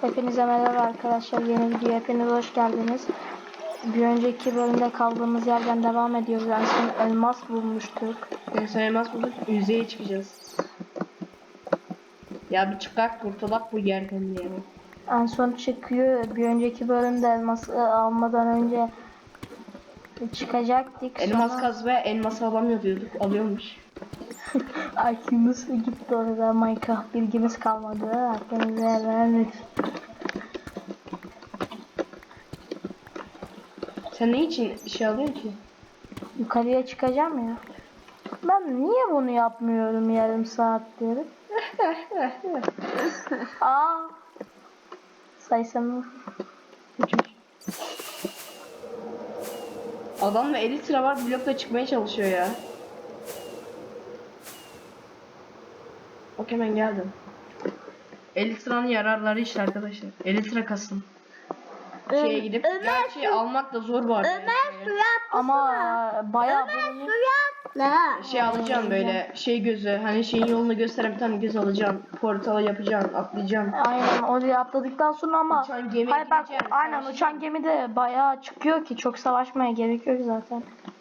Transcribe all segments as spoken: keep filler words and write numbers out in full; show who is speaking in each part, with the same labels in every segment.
Speaker 1: Hepinize merhaba arkadaşlar. Yeni video hepiniz hoş geldiniz. Bir önceki bölümde kaldığımız yerden devam ediyoruz. En son elmas bulmuştuk.
Speaker 2: En son elmas bulduk. Yüzeye çıkacağız. Ya bir çıkak kurtulak bu yerden ya.
Speaker 1: En son çıkıyor. Bir önceki bölümde elması almadan önce çıkacaktık.
Speaker 2: Elmas
Speaker 1: Sonra...
Speaker 2: kaz ve elmas alamıyor diyorduk. Alıyormuş.
Speaker 1: I Q'muz gitti orada. Minecraft bilgimiz kalmadı. Hepinize vermek.
Speaker 2: Sen ne için şey alıyorsun ki?
Speaker 1: Yukarıya çıkacağım ya. Ben niye bunu yapmıyorum yarım saattir? Aa. Saysam.
Speaker 2: Adamla elli sıra var, blokla çıkmaya çalışıyor ya. Bak hemen geldim. elli sıranın yararları işte arkadaşlar. elli sıra kasın. Şeye gidip
Speaker 3: Ömer,
Speaker 2: gerçi almak da zor bu arada.
Speaker 3: Ömer suya
Speaker 1: Ama bayağı
Speaker 3: Ömer
Speaker 1: bunu
Speaker 3: suya atla.
Speaker 2: Şey alacaksın böyle şey gözü, hani şeyin yolunu gösteren bir tane göz alacaksın. Portala yapacaksın, atlayacaksın.
Speaker 1: aynen oraya atladıktan sonra ama
Speaker 2: Uçan gemiye
Speaker 1: hayır bak
Speaker 2: gireceksin,
Speaker 1: aynen
Speaker 2: savaşacaksın.
Speaker 1: uçan gemi de bayağı çıkıyor ki çok savaşmaya gerek yok zaten.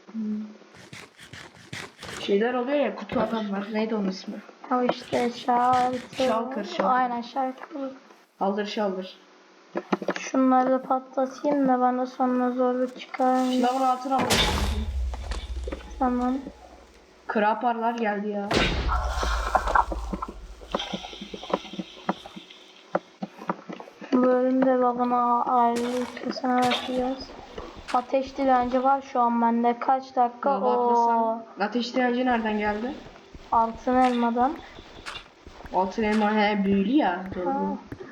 Speaker 2: Şeyler oluyor ya, kutu adam var. Neydi onun ismi?
Speaker 1: Ya işte şarkı.
Speaker 2: Şalkır, şalkır.
Speaker 1: Aynen şarkı.
Speaker 2: Aldır şaldır.
Speaker 1: Şunları da patlatayım da bana sonra zorluk çıkar.
Speaker 2: Şunların altına bak.
Speaker 1: Tamam.
Speaker 2: Kraparlar geldi ya.
Speaker 1: Bu bölümde babana ayrılırsa bakacağız. Ateş direnci var şu an bende. Kaç dakika? O
Speaker 2: Ateş direnci nereden geldi?
Speaker 1: altın elmadan.
Speaker 2: Altın elma he büyülü ya. Doğru.
Speaker 1: Ha.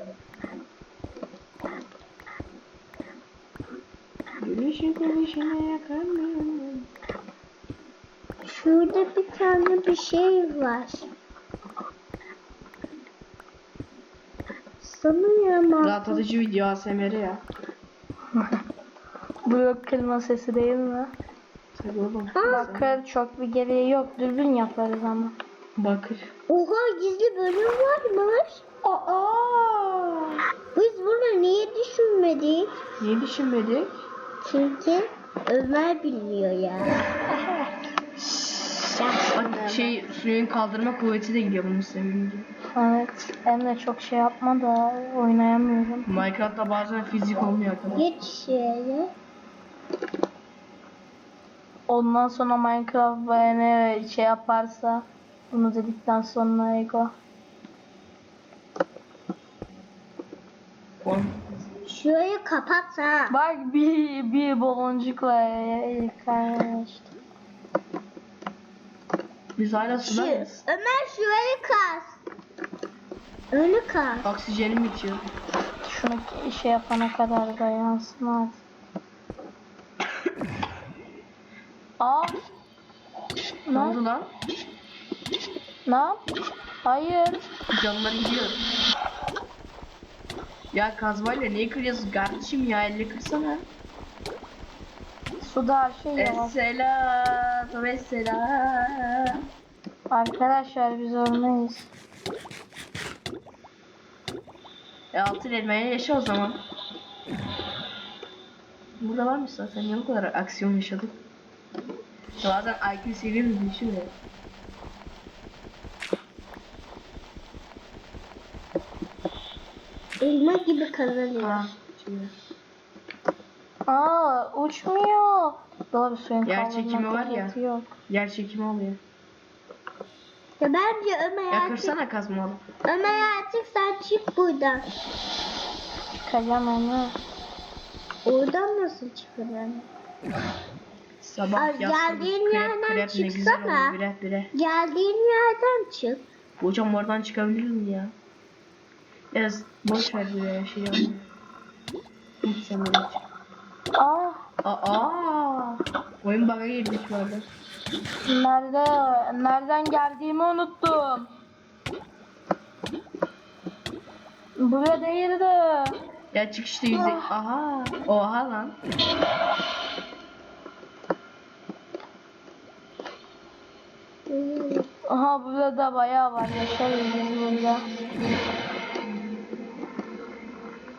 Speaker 2: Gülüşü gülüşüne yakarım.
Speaker 3: Şurada bir tane bir şey var. Sanıyorum.
Speaker 2: Rahatlatıcı video A S M R ya.
Speaker 1: Blok kırma sesi değil mi?
Speaker 2: Tabii oğlum.
Speaker 1: Bakır çok bir gereği yok. Dürbün yaparız ama.
Speaker 2: Bakır.
Speaker 3: Oha gizli bölüm varmış.
Speaker 2: Aa!
Speaker 3: Biz bunu niye düşünmedik?
Speaker 2: Niye düşünmedik?
Speaker 3: Çünkü Ömer biliyor ya.
Speaker 2: Bak şey suyun kaldırma kuvveti de gidiyor bunun sevinci.
Speaker 1: Evet. Emre çok şey yapma da oynayamıyorum.
Speaker 2: Minecraft'ta bazen fizik olmuyor arkadaşlar.
Speaker 3: Geç şeye.
Speaker 1: Ondan sonra Minecraft bana şey yaparsa bunu dedikten sonra Ego.
Speaker 3: Şurayı kapat ha.
Speaker 1: Bak bir bir baloncukla karıştı.
Speaker 2: Biz hala
Speaker 3: Şu,
Speaker 2: sudayız.
Speaker 3: Ömer şurayı kas. Önü kas.
Speaker 2: Oksijenim bitiyor.
Speaker 1: Şunu şey yapana kadar dayansın artık. Aa.
Speaker 2: Ne oldu lan?
Speaker 1: Ne yap? Hayır.
Speaker 2: Canları gidiyor. Ya kazmayla niye kırıyorsun kardeşim ya, elle kırsana.
Speaker 1: Suda her şey yavaş.
Speaker 2: Esselam, esselam.
Speaker 1: Arkadaşlar biz ölmeyiz.
Speaker 2: E altın elmaya yaşa o zaman. Burada varmış zaten, niye bu kadar aksiyon yaşadık? Bazen I Q seviyemiz düşüyor ya.
Speaker 3: Elma gibi kazanıyor.
Speaker 2: Ha, şimdi.
Speaker 1: Aa uçmuyor. Doğru suyun
Speaker 2: Yer
Speaker 1: kaldırma
Speaker 2: çekimi var ya.
Speaker 1: kuvveti yok.
Speaker 2: Yer çekimi oluyor.
Speaker 3: Ya bence Ömer
Speaker 2: Ya
Speaker 3: artık,
Speaker 2: kırsana kazmalı.
Speaker 3: Ömer artık sen çık buradan.
Speaker 1: Çıkacağım onu.
Speaker 3: Oradan nasıl çıkılır?
Speaker 2: Sabah
Speaker 3: Ay,
Speaker 2: yatsın.
Speaker 3: geldiğin
Speaker 2: Krep
Speaker 3: yerden
Speaker 2: krep ne güzel
Speaker 3: çıksana.
Speaker 2: olur, bire bire.
Speaker 3: Geldiğin yerden çık.
Speaker 2: Hocam oradan çıkabilir mi ya? Biraz boş ver buraya şey yapma. Hiç sen öyle çık.
Speaker 1: Aa
Speaker 2: Aa! Oyun bug'a girmiş bu arada.
Speaker 1: nerede? Nereden geldiğimi unuttum. Buraya değildi.
Speaker 2: Ya çık işte yüzde. Aha! Oha lan.
Speaker 1: Aha burada da bayağı var. Yaşarız biz burada.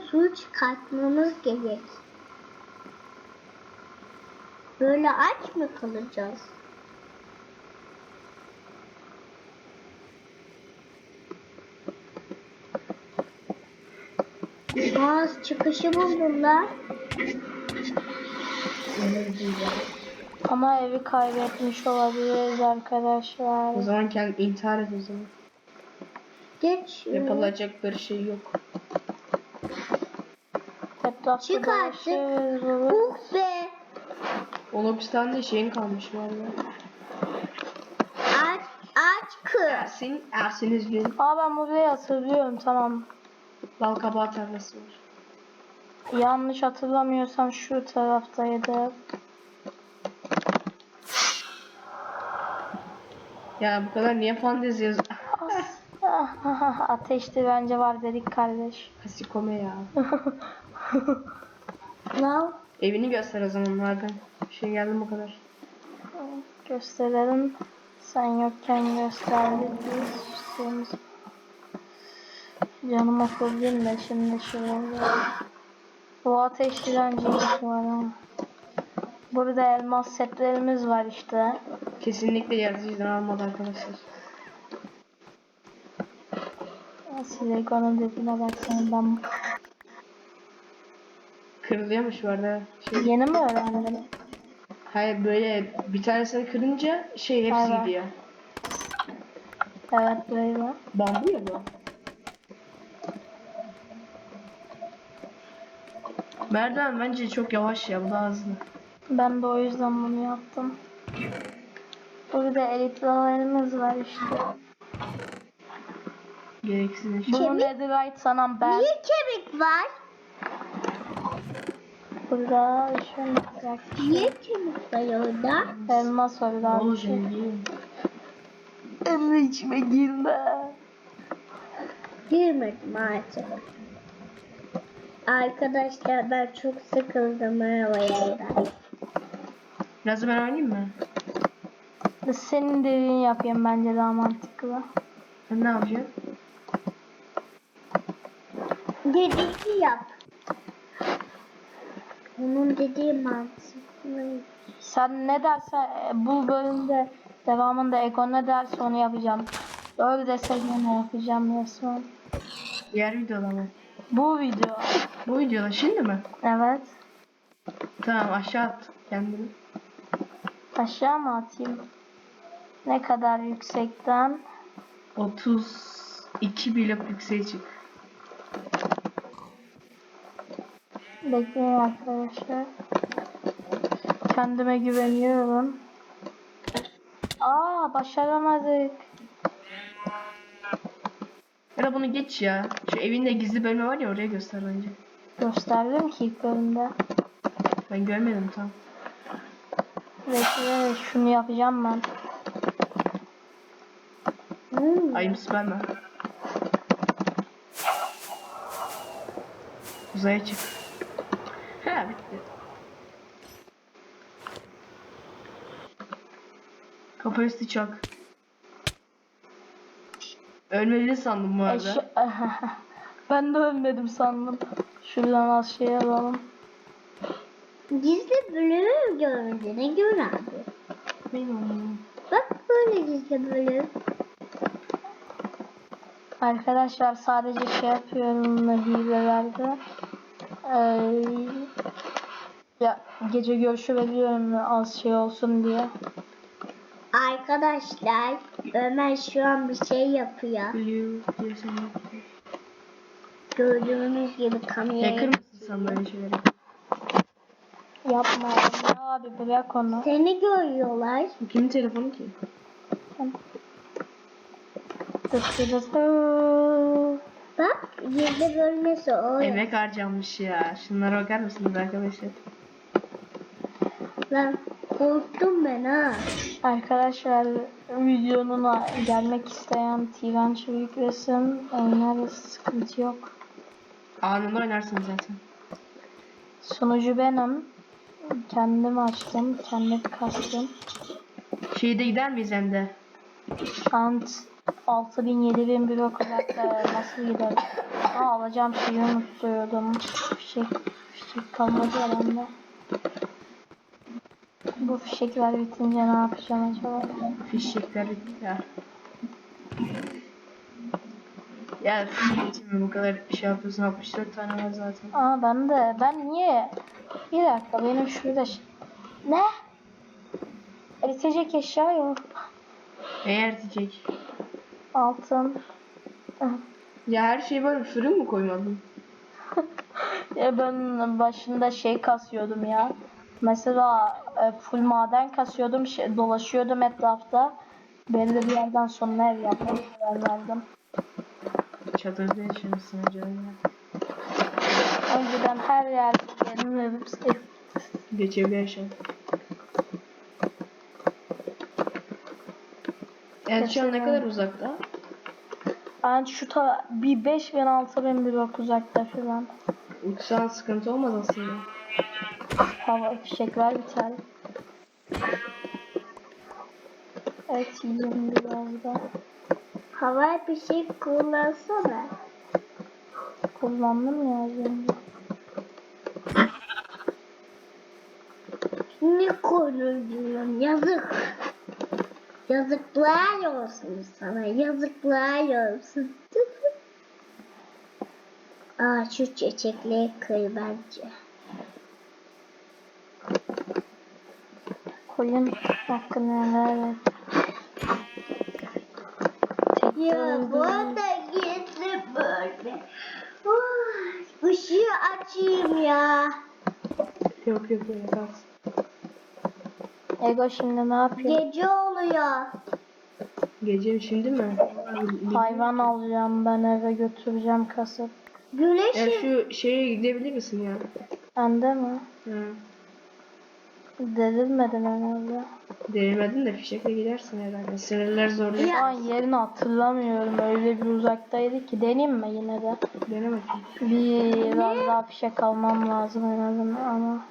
Speaker 3: su çıkartmamız gerek. Böyle aç mı kalacağız? Boğaz çıkışı buldular.
Speaker 1: Ama evi kaybetmiş olabiliriz arkadaşlar.
Speaker 2: O zaman kendi intihar et o zaman.
Speaker 3: Geç.
Speaker 2: Yapılacak bir şey yok.
Speaker 1: Etrafta
Speaker 3: Çık artık.
Speaker 1: dolaşırız, buluruz.
Speaker 3: Uh be.
Speaker 2: O hapishanede şeyin kalmış vallahi.
Speaker 3: Aç, aç kız.
Speaker 2: Ersin, Ersin Üzgün.
Speaker 1: Aa ben burayı hatırlıyorum, tamam.
Speaker 2: Bal kabağı tarlası var.
Speaker 1: Yanlış hatırlamıyorsam şu taraftaydı.
Speaker 2: Ya bu kadar niye fantezi yazıyor?
Speaker 1: Ah, ateşli bence var dedik kardeş.
Speaker 2: Kasikome ya.
Speaker 3: Lav.
Speaker 2: Evini göster o zaman madem. Bir şey geldi bu kadar.
Speaker 1: Gösterelim. Sen yokken gösterdik biz. Şeyimiz. Canım okudum da şimdi şöyle. Bu ateş direnciymiş var ama. Burada elmas setlerimiz var işte.
Speaker 2: Kesinlikle yaratıcıdan almadı arkadaşlar.
Speaker 1: Silikonun dediğine baksana ben.
Speaker 2: Kırılıyormuş bu arada. Şey,
Speaker 1: Yeni mi öğrendin?
Speaker 2: hayır böyle bir tanesini kırınca şey hepsi
Speaker 1: Evet.
Speaker 2: gidiyor.
Speaker 1: Evet böyle.
Speaker 2: Bambu ya bu. Merdiven bence çok yavaş ya, bu da hızlı.
Speaker 1: Ben de o yüzden bunu yaptım. Burada elitlerimiz var işte.
Speaker 2: Gereksiz eşya.
Speaker 1: Bunu netherite sanan ben.
Speaker 3: Niye kemik var?
Speaker 1: Burada şöyle yapacak.
Speaker 3: Niye kemik var orada?
Speaker 1: Elmas var daha bir şey.
Speaker 2: Olacak.
Speaker 1: Emre içime girme.
Speaker 3: Girmedim artık. Arkadaşlar ben çok sıkıldım arabayla.
Speaker 2: Biraz da ben oynayayım mı?
Speaker 1: Senin dediğini yapayım bence daha mantıklı.
Speaker 2: Sen ne yapacaksın?
Speaker 3: Dediğini yap. Onun dediği mantıklı.
Speaker 1: Sen ne dersen e, bu bölümde devamında Ego ne derse onu yapacağım. Öyle dese yine yapacağım resmen.
Speaker 2: Diğer videoda mı?
Speaker 1: Bu video.
Speaker 2: Bu videoda şimdi mi?
Speaker 1: Evet.
Speaker 2: Tamam, aşağı at kendini.
Speaker 1: Aşağı mı atayım? Ne kadar yüksekten?
Speaker 2: otuz iki blok yükseğe çık.
Speaker 1: Bekleyin arkadaşlar. Kendime güveniyorum. Aa başaramadık.
Speaker 2: Ya da bunu geç ya. Şu evinde gizli bölme var ya, oraya göster bence.
Speaker 1: Gösterdim ki ilk bölümde.
Speaker 2: Ben görmedim tam.
Speaker 1: Bekle şunu yapacağım ben.
Speaker 3: Hmm.
Speaker 2: Ayım Superman. Uzaya çık. He bitti. Kafa üstü çak. Ölmedi sandım bu arada.
Speaker 1: Eş ben de ölmedim sandım. Şuradan az şey alalım.
Speaker 3: Gizli bölümü görmediğine göre abi.
Speaker 2: Benim.
Speaker 3: Bak böyle gizli bölüm.
Speaker 1: Arkadaşlar sadece şey yapıyorum hilelerde. Ee, ya gece görüşü veriyorum az şey olsun diye.
Speaker 3: Arkadaşlar Ömer şu an bir şey yapıyor.
Speaker 2: Blue diye sen yaptın.
Speaker 3: Gördüğünüz gibi kamera.
Speaker 2: Hacker mısın sen böyle şeyleri?
Speaker 1: Yapma ya abi bırak onu.
Speaker 3: Seni görüyorlar.
Speaker 2: Bu kimin telefonu ki?
Speaker 3: Bak gizli bölmesi o.
Speaker 2: Emek harcanmış ya. Şunlara bakar mısınız arkadaşlar?
Speaker 3: Lan korktum ben ha.
Speaker 1: Arkadaşlar videonun gelmek isteyen T-Venture yüklesin. Oynarız sıkıntı yok.
Speaker 2: Anında oynarsın zaten.
Speaker 1: Sunucu benim. Kendim açtım. Kendim kastım.
Speaker 2: Şeyde gider miyiz hem de?
Speaker 1: Ant altı bin yedi bin bir okudakta nasıl gider? Aa, alacağım şeyi unutuyordum. Fişek, fişek kalmadı herhalde. Bu fişekler bitince ne yapacağım acaba?
Speaker 2: Fişekler bitti ya. Ya fişek için mi bu kadar şey yapıyorsun? altmış dört tane var zaten.
Speaker 1: Aa, ben de. Ben niye? Bir dakika, benim şurada şey... Ne? Eritecek eşya yok.
Speaker 2: Eğer diyecek.
Speaker 1: Altın.
Speaker 2: Ya her şey böyle fırın mı koymadın?
Speaker 1: Ya ben başında şey kasıyordum ya. Mesela e, full maden kasıyordum, şey, dolaşıyordum etrafta. Belli bir yerden sonra ev yapmaya karar verdim.
Speaker 2: Çadırda yaşamışsın acaba ya.
Speaker 1: Önceden her yerde benim evim ev.
Speaker 2: Geçebilir yaşam. Evet şu an ne kadar uzakta?
Speaker 1: Ben şu ta bir beş bin altı bin blok uzakta falan.
Speaker 2: Uçsan sıkıntı olmaz aslında.
Speaker 1: Hava fişekler biter. Evet, yiyeyim biraz da.
Speaker 3: Havai bir şey kullansana.
Speaker 1: Kullandım ya az önce.
Speaker 3: Ne konuşuyorsun? Yazık. Yazıklar olsun sana. Yazıklar olsun. Aa, şu çiçekleri kır bence.
Speaker 1: Koyun hakkını evet.
Speaker 3: Ya bu da gizli böyle. Oh, ışığı açayım ya.
Speaker 2: Yok yok öyle kalsın.
Speaker 1: Ego şimdi ne yapıyor?
Speaker 3: Gece oluyor.
Speaker 2: Gece şimdi mi?
Speaker 1: Hayvan alacağım ben, eve götüreceğim kasıp.
Speaker 3: Güneş
Speaker 2: Ya şu şeye gidebilir misin ya?
Speaker 1: Bende mi?
Speaker 2: Hı.
Speaker 1: Delirmedin herhalde.
Speaker 2: Denemedin de fişekle gidersin herhalde. Sinirler zorluyor.
Speaker 1: Şu an yerini hatırlamıyorum. Öyle bir uzaktaydı ki. Deneyim mi yine de?
Speaker 2: Dene bakayım.
Speaker 1: Biraz daha fişek almam lazım herhalde ama.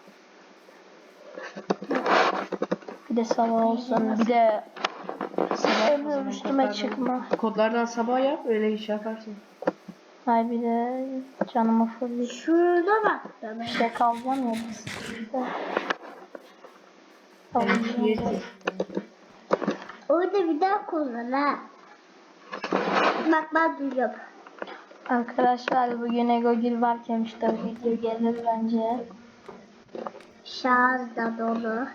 Speaker 1: Bir de sabah olsun. Bir de
Speaker 2: Sabah o
Speaker 1: Emre
Speaker 2: zaman
Speaker 1: üstüme
Speaker 2: kodlardan-
Speaker 1: çıkma.
Speaker 2: Kodlardan sabah yap öyle iş yaparsın.
Speaker 1: Hay bir de canımı fırlayıp
Speaker 3: şurada bak da ben.
Speaker 1: fişek alacağım ya biz.
Speaker 2: Yani
Speaker 1: Alacağım.
Speaker 2: yedi.
Speaker 3: Orada bir daha kullan ha. Bak ben duyuyorum.
Speaker 1: Arkadaşlar bugün Egogil varken işte video gelir bence.
Speaker 3: Şarj da dolu.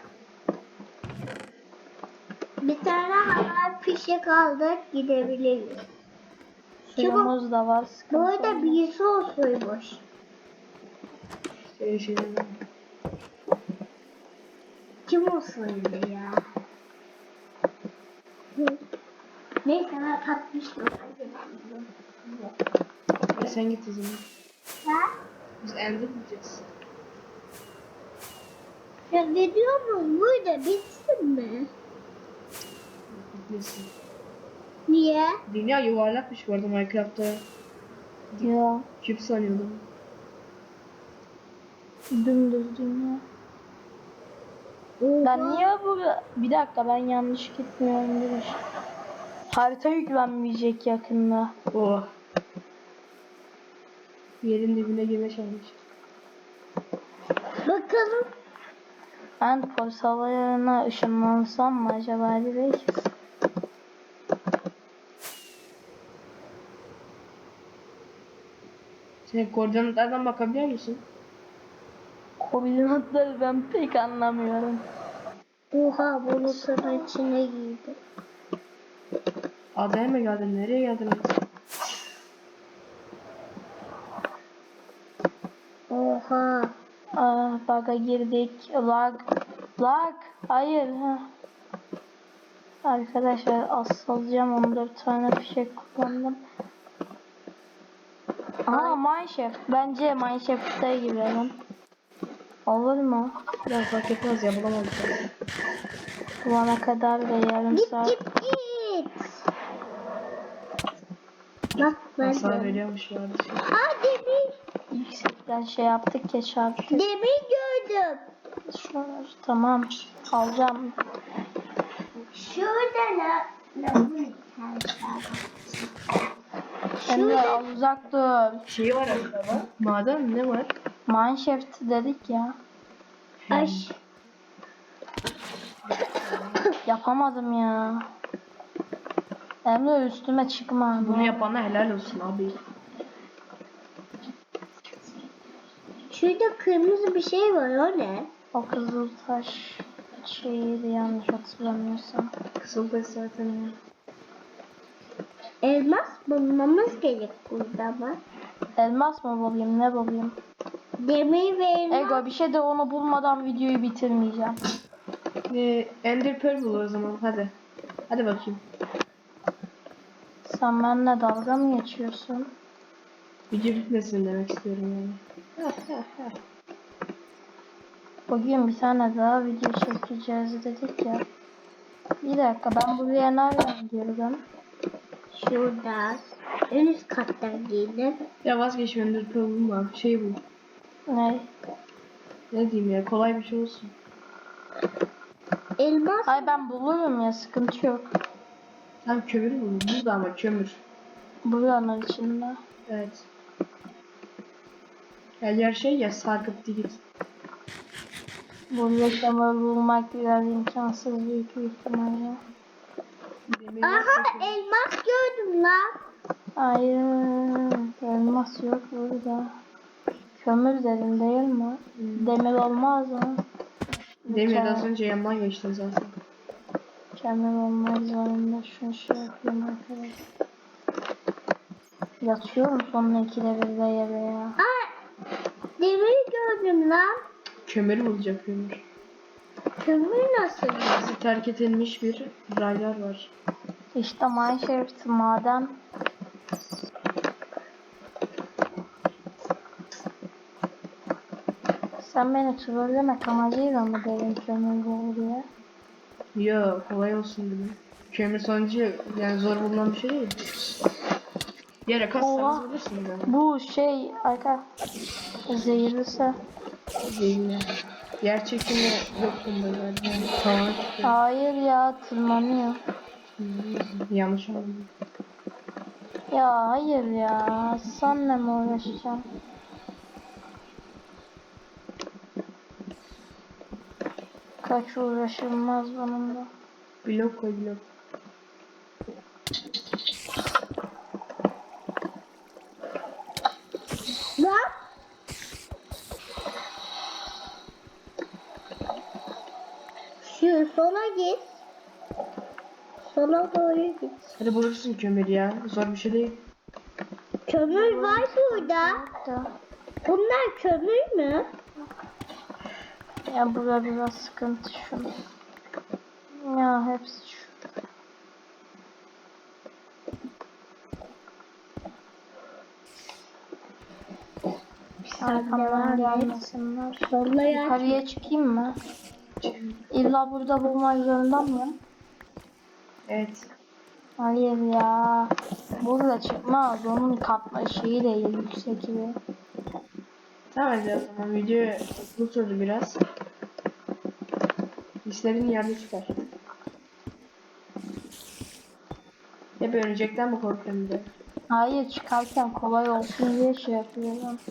Speaker 3: Bir tane hava fişek aldık gidebiliriz.
Speaker 1: Suyumuz da var.
Speaker 3: Bu
Speaker 1: Sıkıntı
Speaker 3: arada
Speaker 1: olmaz.
Speaker 3: birisi olsaymış.
Speaker 2: Şöyle şeyler.
Speaker 3: Kim olsaydı ya? Hı. Neyse ben tatmıştım.
Speaker 2: Ya sen git o zaman.
Speaker 3: Ha?
Speaker 2: Biz elde gideceğiz.
Speaker 3: Ya ne diyorum burada bitsin mi?
Speaker 2: Gitmesin.
Speaker 3: Niye?
Speaker 2: Dünya yuvarlakmış bu arada Minecraft'ta.
Speaker 1: Ya
Speaker 2: Küp sanıyordum.
Speaker 1: dümdüz dünya.
Speaker 3: Oha.
Speaker 1: Ben niye bu... Bir dakika, ben yanlış gitmiyorum bir şey. Harita yüklenmeyecek yakında.
Speaker 2: Oh. Yerin dibine güneş almış.
Speaker 3: Bakalım.
Speaker 1: Ben polis hava yoluna ışınlansam mı acaba direkt?
Speaker 2: Sen koordinatlardan bakabiliyor musun?
Speaker 1: Koordinatları ben pek anlamıyorum.
Speaker 3: Oha bulutun içine girdi.
Speaker 2: Adaya mı geldin? Nereye geldin?
Speaker 3: Oha.
Speaker 1: Aa, bug'a girdik. Lag. Lag. Hayır. Ha. Arkadaşlar asılacağım, on dört tane fişek kullandım. Aa, Mineshaft. Bence Mineshaft'ta girelim. Olur mu?
Speaker 2: Ya fark etmez ya bulamadık.
Speaker 1: Bulana kadar da yarım
Speaker 3: Git
Speaker 1: saat.
Speaker 3: git git. Bak ben
Speaker 2: Hasar
Speaker 3: de.
Speaker 2: veriyormuş ya.
Speaker 3: Aa demir.
Speaker 1: Yüksekten şey yaptık ya, çarptık.
Speaker 3: Demir gördüm.
Speaker 1: Şuralar. Tamam. Alacağım.
Speaker 3: Şurada ne?
Speaker 1: Emre al uzak dur.
Speaker 2: Şey var aslında. Maden ne var?
Speaker 1: Mineshaft dedik ya.
Speaker 3: Aş.
Speaker 1: Yapamadım ya. Emre üstüme çıkma.
Speaker 2: Bunu yapana helal olsun abi.
Speaker 3: Şurada kırmızı bir şey var, o ne?
Speaker 1: O kızıl taş şeydi yanlış hatırlamıyorsam.
Speaker 2: Kısıldı zaten ya.
Speaker 3: Elmas bulmamız gerek burada ama.
Speaker 1: Elmas mı bulayım ne bulayım?
Speaker 3: Demir ve elmas.
Speaker 1: Ego bir şey de onu bulmadan videoyu bitirmeyeceğim.
Speaker 2: Ee, Ender Pearl bul o zaman hadi. Hadi bakayım.
Speaker 1: Sen benimle dalga mı geçiyorsun?
Speaker 2: Video bitmesin demek istiyorum yani.
Speaker 1: Bugün bir tane daha video çekeceğiz dedik ya. Bir dakika ben buraya nereden girdim?
Speaker 3: Şurada. En üst kattan girdim.
Speaker 2: Ya vazgeç Ender Pearl bulma. Şey bul.
Speaker 1: Ne?
Speaker 2: Ne diyeyim ya, kolay bir şey olsun.
Speaker 3: Elmas.
Speaker 1: Ay ben bulurum ya sıkıntı yok.
Speaker 2: Tam kömür bul. Bul da ama kömür.
Speaker 1: Buranın içinde.
Speaker 2: Evet. Ya yer şey ya, sarkıp git.
Speaker 1: Bu reklamı bulmak biraz imkansız büyük bir ihtimalle.
Speaker 2: Demir
Speaker 3: Aha,
Speaker 2: varsa-
Speaker 3: elmas gördüm lan.
Speaker 1: Hayır. Elmas yok burada. Kömür dedim değil mi? Demir olmaz mı?
Speaker 2: Demir
Speaker 1: Kömür-
Speaker 2: az önce yandan geçtin zaten.
Speaker 1: Kömür olmak zorunda. Şunu şey yapayım arkadaşlar. Yatıyorum sonra ikide bir de yere ya.
Speaker 3: Aa, demir gördüm lan.
Speaker 2: Kömür bulacak kömür.
Speaker 3: Kömür nasıl?
Speaker 2: Bizi terk edilmiş bir raylar var.
Speaker 1: İşte Mineshaft maden. Sen beni trollemek amacıyla mı dedin kömür bul diye?
Speaker 2: Yo, kolay olsun dedim. Kömür sonucu yani zor bulunan bir şey değil. Yere
Speaker 1: Oha.
Speaker 2: kassanız bulursunuz yani.
Speaker 1: Bu şey arka zehirlisi.
Speaker 2: Değil mi? Yer çekimi yok bunda galiba. Yani tamamen çıkıyor.
Speaker 1: Hayır ya tırmanıyor.
Speaker 2: Hmm, yanlış anladım.
Speaker 1: Ya hayır ya senle mi uğraşacağım? Kaç uğraşılmaz bununla.
Speaker 2: Blok koy blok.
Speaker 3: Lan. Şu sola git. Sola doğru git.
Speaker 2: Hadi bulursun kömür ya. Zor bir şey değil.
Speaker 3: Kömür var burada.
Speaker 1: Da.
Speaker 3: Bunlar kömür mü?
Speaker 1: Ya burada biraz sıkıntı şu. Ya hepsi şu. Arkamdan gelmesinler.
Speaker 3: Sola ya.
Speaker 1: Yukarıya çıkayım mı? İlla burada bulmak zorunda mıyım?
Speaker 2: Evet.
Speaker 1: Hayır ya. Burada çıkmaz. Onun katma şeyi değil yüksek gibi.
Speaker 2: Tamam hadi o zaman video uzun sürdü biraz. İşlerin yerde çıkar. Hep ölecekten mi korkuyorum bir de?
Speaker 1: Hayır çıkarken kolay olsun diye şey yapıyorum.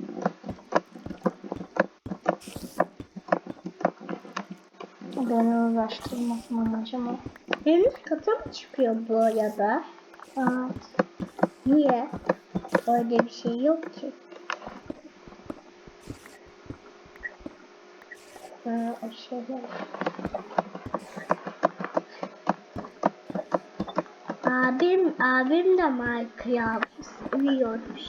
Speaker 1: Beni uğraştırmasın amacım o.
Speaker 3: En üst kata mı çıkıyor bu arada?
Speaker 1: Evet.
Speaker 3: Niye? Öyle bir şey yok ki.
Speaker 1: Ha, o şeyler.
Speaker 3: Abim, abim de Minecraft seviyormuş.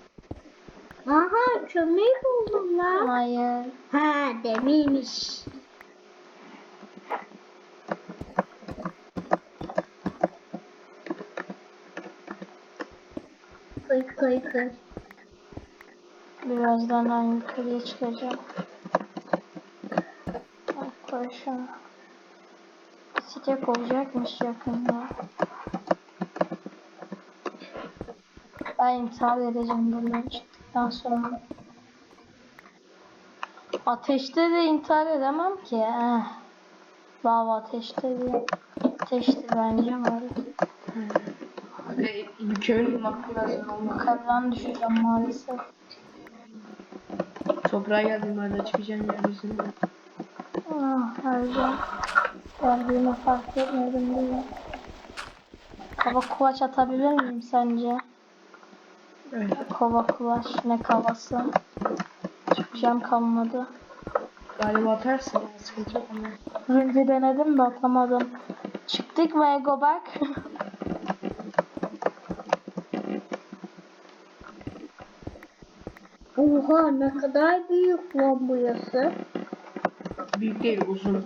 Speaker 3: Aha, kömür buldum lan.
Speaker 1: Hayır.
Speaker 3: Ha, demirmiş. Koy koy koy.
Speaker 1: Birazdan ben yukarıya çıkacağım. Bak koy şunu. Sıcak olacakmış yakında. Ben intihar edeceğim buradan çıktıktan sonra. Ateşte de intihar edemem ki. Eh. Lava ateşte diye. ateşti bence var.
Speaker 2: Ve bir köyün bulmak biraz zor olmaz.
Speaker 1: Yukarıdan düşeceğim maalesef.
Speaker 2: Toprağa geldiğim halde çıkacağım yeryüzüne.
Speaker 1: Ah harcam. Geldiğimi fark etmedim bile. Kova kulaç atabilir miyim sence?
Speaker 2: Evet.
Speaker 1: Kova kulaç ne kavası? Çıkacağım kalmadı.
Speaker 2: Galiba atarsın ya, sıkıntı yok ama.
Speaker 1: Önce denedim de atamadım. Çıktık mı Egoberk?
Speaker 3: Oha ne kadar büyük lan burası.
Speaker 2: Büyük değil, uzun.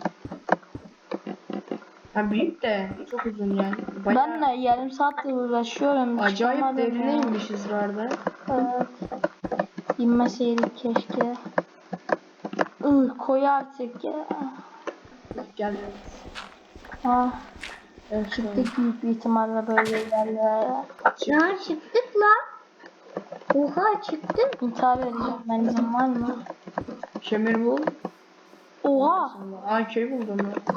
Speaker 2: Ha büyük de çok uzun yani. Bayağı
Speaker 1: Ben de yarım saattir uğraşıyorum.
Speaker 2: acayip
Speaker 1: çıkamadım ya.
Speaker 2: derine inmişiz orada.
Speaker 1: Evet. İnmeseydik keşke. Ih koy artık ya.
Speaker 2: Gel.
Speaker 1: Ah,
Speaker 2: Evet, şu an.
Speaker 1: çıktık büyük bir ihtimalle böyle yerlere.
Speaker 3: Ya çıktık lan. Oha çıktık.
Speaker 1: İntihar edeceğim ben, izin var mı?
Speaker 2: Kömür bul.
Speaker 1: Oha!
Speaker 2: Aa köy buldum ben.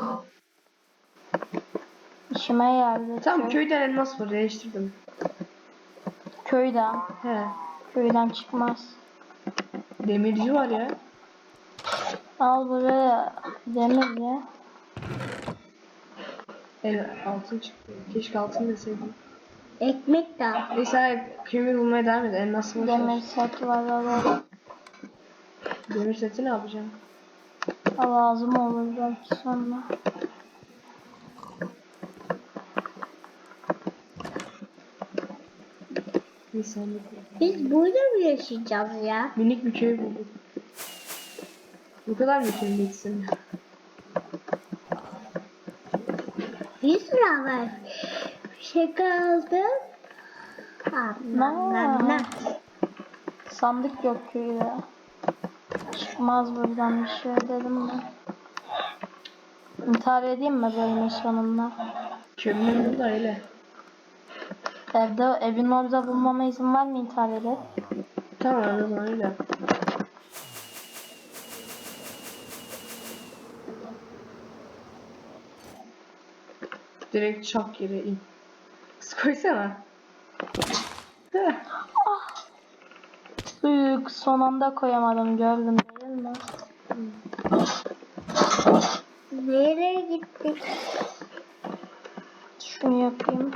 Speaker 1: İşime geldi.
Speaker 2: Tamam
Speaker 1: Köy-
Speaker 2: köyden elmas var, değiştirdim.
Speaker 1: Köyden.
Speaker 2: He.
Speaker 1: Köyden çıkmaz.
Speaker 2: Demirci var ya.
Speaker 1: Al buraya demir ya.
Speaker 2: El altın çıktı. Keşke altın deseydim.
Speaker 3: Ekmek de al.
Speaker 2: Neyse kömür bulmaya devam et. Elmas var.
Speaker 1: Demir set var alalım.
Speaker 2: Demir seti ne yapacağım?
Speaker 1: Lazım olur belki sonra.
Speaker 2: Bir saniye.
Speaker 3: Biz burada mı yaşayacağız ya?
Speaker 2: Minik bir köy bulduk. Bu kadar mı köy geçsin?
Speaker 3: Bir sıra var. Bir şey kaldı. Nam nam nam.
Speaker 1: Sandık yok köyde. Çıkmaz buradan bir şey dedim ben. İntihar edeyim mi bölümün sonunda?
Speaker 2: Kömür bul da öyle.
Speaker 1: Evde, evin orada bulmama izin var mı intihar edip?
Speaker 2: Tamam o zaman öyle. Direkt çak yere in. Kız koysana. Heh.
Speaker 1: Büyük son anda koyamadım, gördüm değil mi?
Speaker 3: Nereye gittik?
Speaker 1: Şunu yapayım.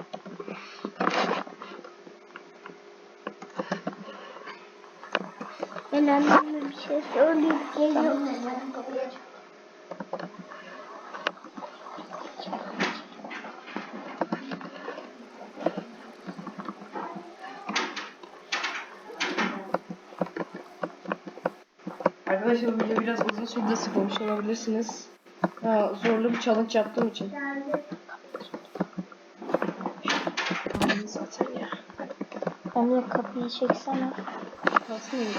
Speaker 3: Ben anneme bir şey söyleyip geliyorum.
Speaker 2: Arkadaşlar bu video biraz uzun sürdü, sıkılmış olabilirsiniz. Ha, zorlu bir challenge yaptığım için. Ananı satayım ya.
Speaker 1: Emre kapıyı çeksene.
Speaker 2: Kalsın mı?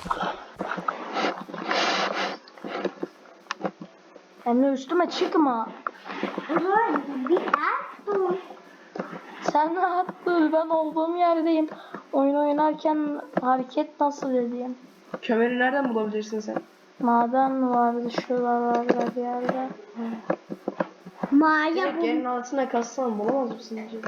Speaker 1: Emre üstüme çıkma.
Speaker 3: Ulan bir at dur.
Speaker 1: Sen rahat dur, ben olduğum yerdeyim. Oyun oynarken hareket nasıl edeyim?
Speaker 2: Kömürü nereden bulabilirsin sen?
Speaker 1: Maden vardı şuralarda bir yerde.
Speaker 3: Maya
Speaker 2: Direkt
Speaker 3: bu.
Speaker 2: yerin altına kazsan bulamaz mısın acaba?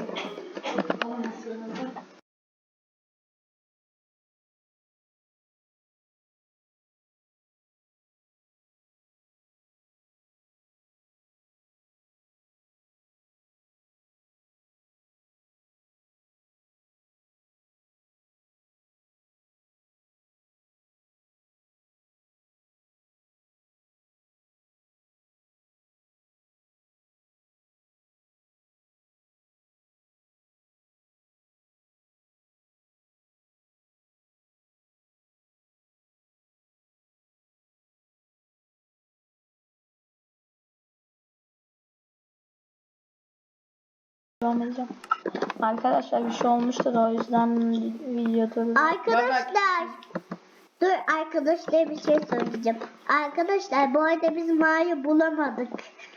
Speaker 1: Bulamayacağım. Arkadaşlar bir şey olmuştur, o yüzden video durdu.
Speaker 3: Arkadaşlar. Dur arkadaşlar bir şey söyleyeceğim. Arkadaşlar bu arada biz Maya bulamadık.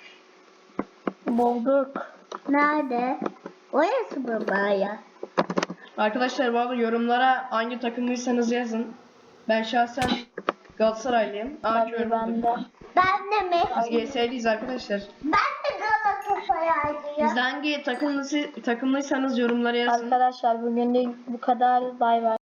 Speaker 1: Bulduk.
Speaker 3: Nerede? Orası mı Maya?
Speaker 2: Arkadaşlar bu arada yorumlara hangi takımlıysanız yazın. Ben şahsen Galatasaraylıyım. Aa
Speaker 1: Tabii
Speaker 2: kömür
Speaker 1: ben
Speaker 2: bulduk.
Speaker 1: de.
Speaker 3: Ben de mi?
Speaker 2: Biz G S'liyiz arkadaşlar.
Speaker 3: Ben de Galatasaray. kolaydı ya.
Speaker 2: Siz hangi takımlısı, takımlıysanız yorumlara yazın.
Speaker 1: Arkadaşlar bugünlük bu kadar. Bay bay.